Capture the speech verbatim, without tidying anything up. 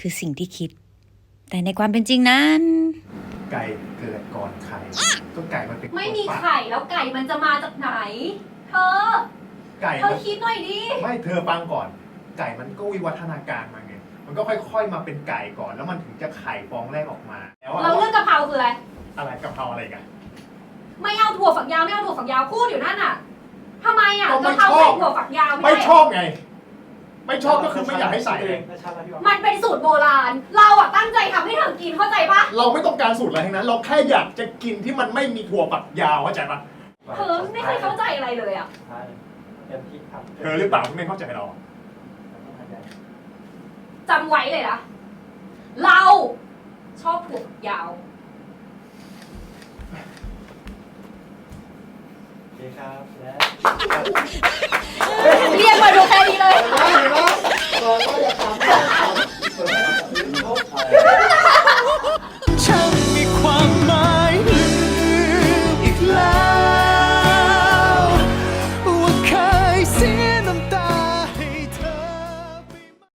คือสิ่งที่คิด แต่ในความเป็นจริงนั้นไก่เกิดก่อนไข่ก็ไก่มันเป็นไม่มีคนปักไข่แล้วไก่มันจะมาจากไหน เธอไก่เธอมันคิดหน่อยดิไม่เธอฟังก่อน ไก่มันก็วิวัฒนาการมาไงมันก็ค่อยๆมาเป็นไก่ก่อนแล้วมันถึงจะไข่ฟองแรกออกมาแล้วเราเรื่องกะเพราคืออะไรอะไรกะเพราอะไรกันไม่เอาถั่วฝักยาวไม่เอาถั่วฝักยาวพูดอยู่นั่นน่ะทำไมอ่ะก็ไม่กะเพราชอบใส่ถั่วฝักยาวไม่ไม่ได้ชอบไง ไม่ชอบก็คือไม่อยากให้ใส่เลยมันเป็นสูตรโบราณ เราอ่ะตั้งใจทำให้เธอกินเข้าใจปะเราไม่ต้องการสูตรอะไรทั้งนั้น เราแค่อยากจะกินที่มันไม่มีถั่วฝักยาวเข้าใจปะเธอไม่เคยเข้าใจอะไรเลยอ่ะเต็มที่ครับเธอหรือเปล่าที่ไม่เข้าใจเราจำไว้เลยนะ เราชอบถั่วฝักยาวโอเคครับและ